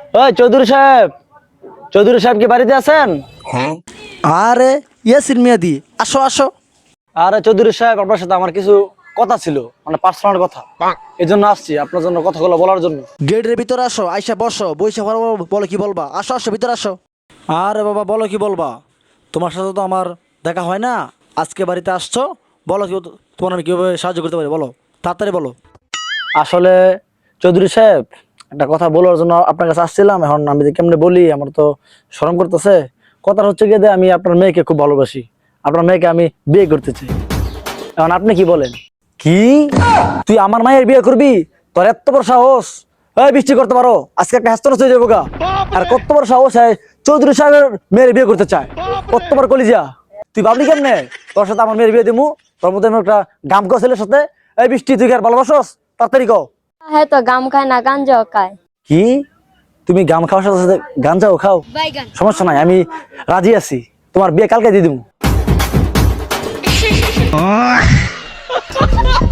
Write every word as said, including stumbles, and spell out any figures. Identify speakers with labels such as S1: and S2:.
S1: ওই চৌধুরী সাহেব, চৌধুরী সাহেব কি বাড়িতে আছেন?
S2: আরে ইয়াসির মিয়াদি, আসো আসো।
S1: আরে চৌধুরী সাহেব, আপনার সাথে আমার কিছু কথা ছিল, মানে পার্সোনাল কথা। এই জন্য আসছি আপনার জন্য কথাগুলো বলার জন্য।
S2: গেটের ভিতরে আসো, আইসা বসো, বইসা বলো বলো কি বলবা, আসো আসো ভিতরে আসো। আরে বাবা বলো কি বলবা, তোমার সাথে তো আমার দেখা হয় না, আজকে বাড়িতে আসছো, বলো কি তোমার আমি কিভাবে সাহায্য করতে পারি, বলো তাড়াতাড়ি বলো।
S1: আসলে চৌধুরী সাহেব, একটা কথা বলার জন্য আপনার কাছে আসছিলাম। এখন আমি যে কেমনে বলি, আমার তো শরম করতেছে। কথা হচ্ছে গিয়ে যে আমি আপনার মেয়েকে খুব ভালোবাসি, আপনার মেয়েকে আমি বিয়ে করতে চাই। এখন আপনি কি বলেন? কি তুই আমার মায়ের বিয়ে করবি? তোর এত বড় সাহস! এই বৃষ্টি করতে পারো, আজকে একটা হ্যাস্ত হয়ে যাবো গা। আর কত বড় সাহস হয় চৌধুরী সাহেবের মেয়ের বিয়ে করতে চায়? কত বড় কলিজা! তুই ভাবলি কেমনে তোর সাথে আমার মেয়ের বিয়ে দিমু? তোর মধ্যে একটা গাম গো ছেলের সাথে। এই বৃষ্টি, তুই কি আর ভালোবাসস? তাড়াতাড়ি কও।
S3: হ্যাঁ তো গাম খায় না, গাঞ্জাও খায়।
S1: কি তুমি গাম খাওয়ার সাথে সাথে গাঞ্জাও খাও? সমস্যা নাই, আমি রাজি আছি, তোমার বিয়ে কালকে দিয়ে দিবো।